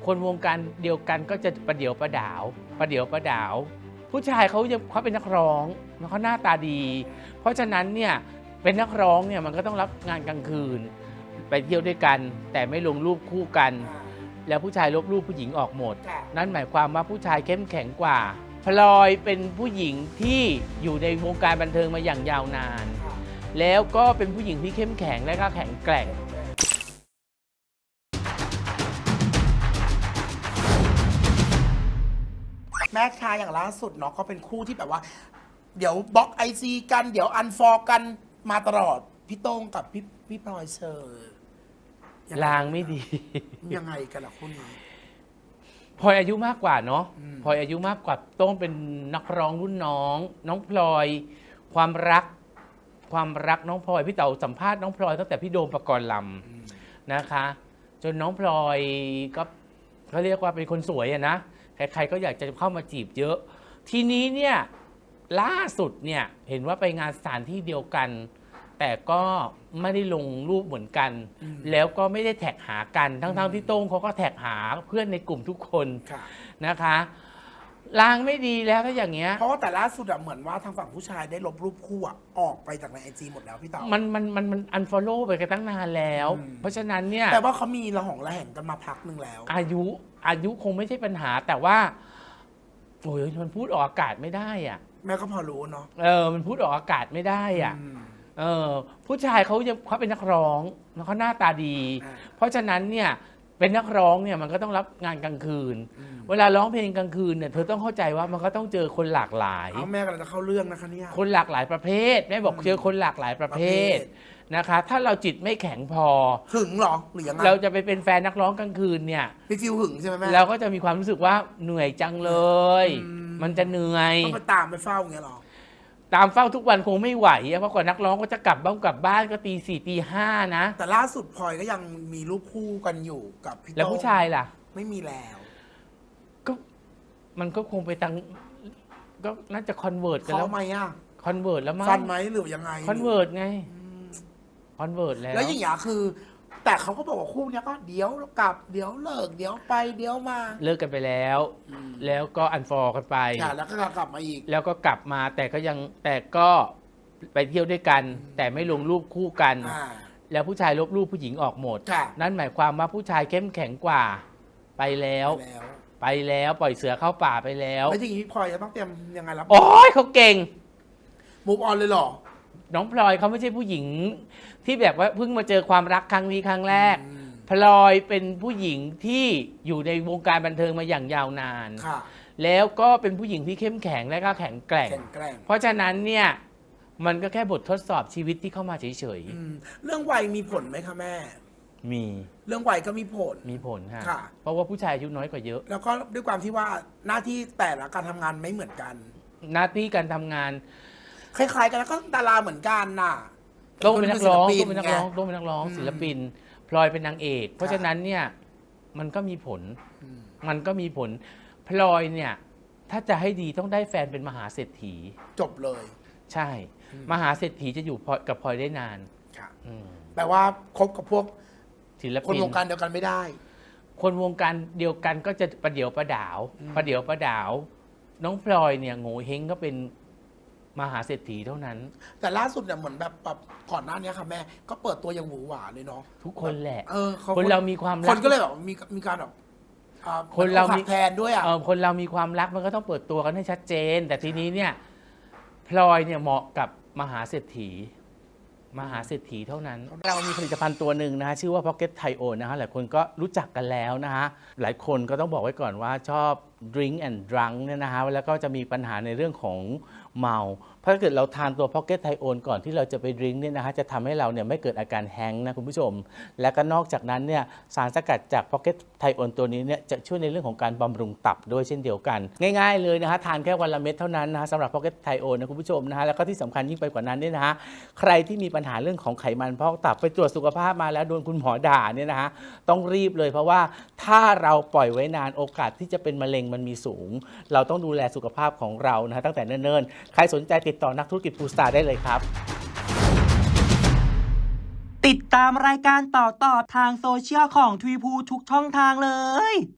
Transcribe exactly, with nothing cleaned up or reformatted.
คนวงการเดียวกันก็จะประเดี๋ยวประดาวประเดี๋ยวประดาวผู้ชายเขาจะเขาเป็นนักร้องเขาหน้าตาดีเพราะฉะนั้นเนี่ยเป็นนักร้องเนี่ยมันก็ต้องรับงานกลางคืนไปเที่ยวด้วยกันแต่ไม่ลงรูปคู่กันแล้วผู้ชายลบรูปผู้หญิงออกหมดนั่นหมายความว่าผู้ชายเข้มแข็งกว่าพลอยเป็นผู้หญิงที่อยู่ในวงการบันเทิงมาอย่างยาวนานแล้วก็เป็นผู้หญิงที่เข้มแข็งและก็แข็งแกร่งแม่ชายอย่างล่าสุดเนาะก็เป็นคู่ที่แบบว่าเดี๋ยวบล็อกไอซีกันเดี๋ยวอันฟอร์กันมาตลอดพี่โต้งกับพี่พี่พลอยเชอร์ลางไม่ดียังไงกันล่ะคู่นี้พลอยอายุมากกว่าเนาะพลอยอายุมากกว่าโต้งเป็นนักร้องรุ่นน้องน้องพลอยความรักความรักน้องพลอยพี่เต๋าสัมภาษณ์น้องพลอยตั้งแต่พี่โดมปกรณ์ลำนะคะจนน้องพลอยก็เขาเรียกว่าเป็นคนสวยอะนะใครๆก็อยากจะเข้ามาจีบเยอะทีนี้เนี่ยล่าสุดเนี่ยเห็นว่าไปงานสถานที่เดียวกันแต่ก็ไม่ได้ลงรูปเหมือนกันแล้วก็ไม่ได้แท็กหากันทั้งๆที่โต้งเขาก็แท็กหาเพื่อนในกลุ่มทุกคนนะคะลางไม่ดีแล้วถ้าอย่างเงี้ยเพราะว่าแต่ล่าสุดอะเหมือนว่าทางฝั่งผู้ชายได้ลบรูปคู่อะออกไปจากในไอจีหมดแล้วพี่เต๋ามันมันมันมันอันฟอลโล่ไปกันตั้งนานแล้วเพราะฉะนั้นเนี่ยแต่ว่าเขามีระหองระแหงกันมาพักหนึ่งแล้วอายุอายุคงไม่ใช่ปัญหาแต่ว่าโอ้ยมันพูดออกอากาศไม่ได้อ่ะแม่ก็พอรู้เนาะเออมันพูดออกอากาศไม่ได้อ่ะเออผู้ชายเขาจะเขาเป็นนักร้องแล้วเขาหน้าตาดี เพราะฉะนั้นเนี่ยเป็นนักร้องเนี่ยมันก็ต้องรับงานกลางคืนเวลาร้องเพลงกลางคืนเนี่ยเธอต้องเข้าใจว่ามันก็ต้องเจอคนหลากหลายเอาแม่กำลังจะเข้าเรื่องนะคะเนี่ยคนหลากหลายประเภทแม่บอกเจอคนหลากหลายประเภทนะคะถ้าเราจิตไม่แข็งพอหึงหรอหรือยังไงเราจะไปเป็นแฟนนักร้องกลางคืนเนี่ยพี่ฟิวหึงใช่ไหมแม่เราก็จะมีความรู้สึกว่าเหนื่อยจังเลยมันจะเหนื่อยต้องไปตามไปเฝ้าอย่างเงี้ยหรอตามเฝ้าทุกวันคงไม่ไหวเพราะกว่านักร้องก็จะกลับบ้านกลับบ้านก็ตีสี่ตีห้านะแต่ล่าสุดพลอยก็ยังมีรูปคู่กันอยู่กับพี่โต้งแล้วผู้ชายล่ะไม่มีแล้วก็มันก็คงไปตั้งก็น่าจะคอนเวิร์ตกันแล้วไหมอ่ะคอนเวิร์ตแล้วมั้งฟันไหมหรือยังไงคอนเวิร์ตไงคอนเวิร์ตแล้วแล้วอย่างอย่างคือแต่เขาก็บอกว่าคู่นี้ก็เดี๋ยวกลับเดี๋ยวเลิกเดี๋ยวไปเดี๋ยวมาเลิกกันไปแล้วแล้วก็อันฟอร์กันไปแล้วก็กลับมาอีกแล้วก็กลับมาแต่ก็ยังแต่ก็ไปเที่ยวด้วยกันแต่ไม่ลงรูปคู่กันแล้วผู้ชายลบรูปผู้หญิงออกหมดนั่นหมายความว่าผู้ชายเข้มแข็งกว่าไปแล้วไปแล้วปล่อยเสือเข้าป่าไปแล้วแล้วจริงๆพี่พลอยจะต้องเตรียมยังไงรับโอ้ยเขาเก่งมูฟออนเลยหรอน้องพลอยเขาไม่ใช่ผู้หญิงที่แบบว่าเพิ่งมาเจอความรักครั้งนี้ครั้งแรกพลอยเป็นผู้หญิงที่อยู่ในวงการบันเทิงมาอย่างยาวนานแล้วก็เป็นผู้หญิงที่เข้มแข็งและก็แข็งแกร่งเพราะฉะนั้นเนี่ยมันก็แค่บททดสอบชีวิตที่เข้ามาเฉยๆเรื่องวัยมีผลไหมคะแม่มีเรื่องวัยก็มีผลมีผลค่ะเพราะว่าผู้ชายอายุน้อยกว่าเยอะแล้วก็ด้วยความที่ว่าหน้าที่แต่ละการทำงานไม่เหมือนกันหน้าที่การทำงานคล้ายๆกันแล้วก็ดาราเหมือนกันน่ะต้องเป็นนักร้องต้องเป็นนักร้องต้องเป็นนักร้องศิลปินพลอยเป็นนางเอกเพราะฉะนั้นเนี่ยมันก็มีผลมันก็มีผลพลอยเนี่ยถ้าจะให้ดีต้องได้แฟนเป็นมหาเศรษฐีจบเลยใช่มหาเศรษฐีจะอยู่กับพลอยได้นานแปลว่าคบกับพวกศิลปินคนวงการเดียวกันไม่ได้คนวงการเดียวกันก็จะประเดี๋ยวประดาวประเดี๋ยวประดาวน้องพลอยเนี่ยโง่เฮงก็เป็นมหาเศรษฐีเท่านั้นแต่ล่าสุดเนี่ยเหมือนแบบแบบก่อนหน้านี้ค่ะแม่ก็เปิดตัวอย่างหวือหวาเลยเนาะทุกคนแหละเออคนเรามีความรักคนก็เลยแบบมีมีการแบบคนเรามีแทนด้วยอ่ะคนเรามีความรักมันก็ต้องเปิดตัวกันให้ชัดเจนแต่ทีนี้เนี่ยพลอยเนี่ยเหมาะกับมหาเศรษฐีมหาเศรษฐีเท่านั้นเรามีผลิตภัณฑ์ตัวหนึ่งนะฮะชื่อว่า Pocket Thio นะฮะหลายคนก็รู้จักกันแล้วนะฮะหลายคนก็ต้องบอกไว้ก่อนว่าชอบ drink and drunk เนี่ยนะฮะแล้วก็จะมีปัญหาในเรื่องของเมาเพราะถ้าเกิดเราทานตัว Pocket Thio ก่อนที่เราจะไปดื่มเนี่ยนะฮะจะทำให้เราเนี่ยไม่เกิดอาการแฮงก์นะคุณผู้ชมและก็นอกจากนั้นเนี่ยสารสกัดจาก Pocket Thio ตัวนี้เนี่ยจะช่วยในเรื่องของการบำรุงตับด้วยเช่นเดียวกันง่ายๆเลยนะฮะทานแค่วันละเม็ดเท่านั้นนะฮะสำหรับ Pocket Thio นะคุณผู้ชมนะฮะแล้วก็ที่สำคัญยิ่งไปกว่านั้นเนี่ยนะฮะใครที่มีปัญหาเรื่องของไขมันพอกตับไปตรวจสุขภาพมาแล้วโดนคุณหมอด่าเนี่ยนะฮะต้องรีบเลยเพราะว่าถ้าเราปล่อยไว้นานโอกาสที่จะเป็นมะเร็งมันมีสูงเราต้องดูแลสุขภาพของเรานะฮะตั้งแต่เนิ่นๆใครสนใจติดต่อนักธุรกิจฟู้ดสตาร์ได้เลยครับติดตามรายการต่อๆทางโซเชียลของทวีพูทุกช่องทางเลย